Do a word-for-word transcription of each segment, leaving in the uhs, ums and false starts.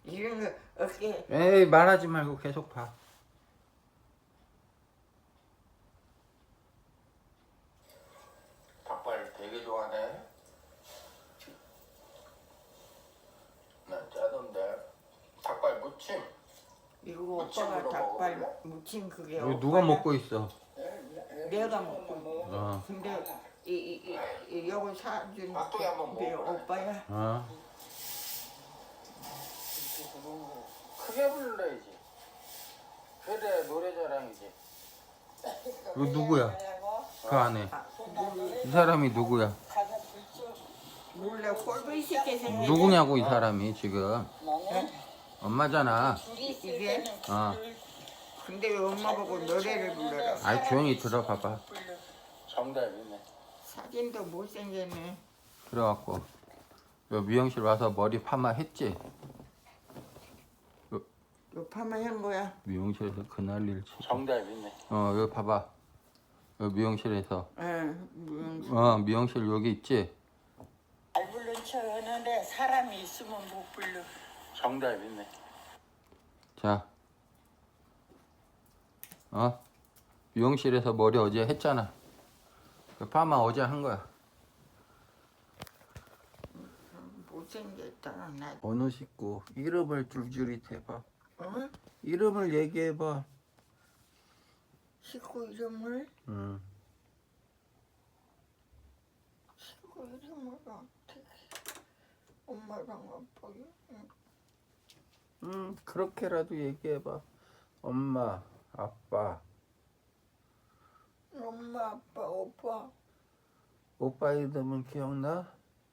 이런 거 어깨. 에이 말하지 말고 계속 봐. 닭발 되게 좋아하네. 난 짜던데. 닭발 무침. 이거 무침으로 오빠가 닭발 먹어볼래? 무침 그게 이거 누가 오빠야. 먹고 있어? 내가 먹고. 어. 근데 이, 이, 이, 이 요거 사준 깍두기 한번 게 먹어볼래? 오빠야. 어. 크게 불러야지. 그래 노래자랑이지. 이거 누구야? 그 안에 아, 몰래, 이 사람이 누구야? 몰래 꼴보기 쉽게 생긴 누구냐고 이 사람이 지금? 네? 엄마잖아. 이게. 어. 근데 왜 엄마 보고 노래를 불러라. 아이 조용히 들어봐봐. 정답이네. 사진도 못생겼네. 그래갖고 요 미용실 와서 머리 파마 했지? 요 파마 한 거야. 미용실에서 그날 일 치. 정답이네. 어 여기 봐봐. 요 미용실에서. 응. 음. 어 미용실 여기 있지? 잘 부른 척하는데 사람이 있으면 못 불러. 정답이네. 자. 어? 미용실에서 머리 어제 했잖아. 그 파마 어제 한 거야. 못생겼다. 나. 어느 식구 이름을 줄줄이 대봐. 어? 이름을 얘기해봐. 식구 이름을? 응. 식구 이름을 어떻게? 엄마랑 아빠요? 응. 응 그렇게라도 얘기해봐. 엄마, 아빠, 엄마, 아빠, 오빠. 오빠 이름은 기억나?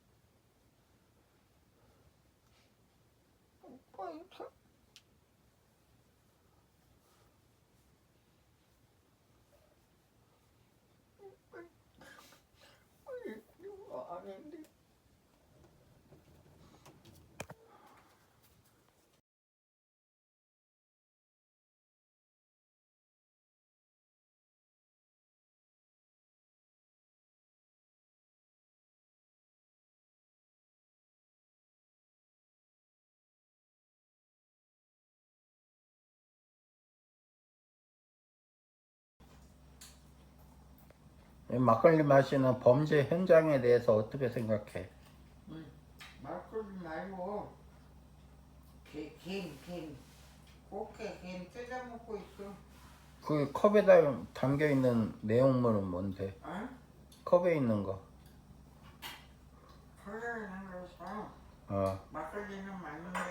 오빠 이름. 이거 아닌데. 막걸리 마시는 범죄 현장에 대해서 어떻게 생각해? 말걸리 말고 개, 개, 개, 꽃게 개 뜯어 먹고 있어. 그 컵에 다- 담겨 있는 내용물은 뭔데? 어? 컵에 있는 거. 컬러를 넣어서 어. 막걸리는 맞는 거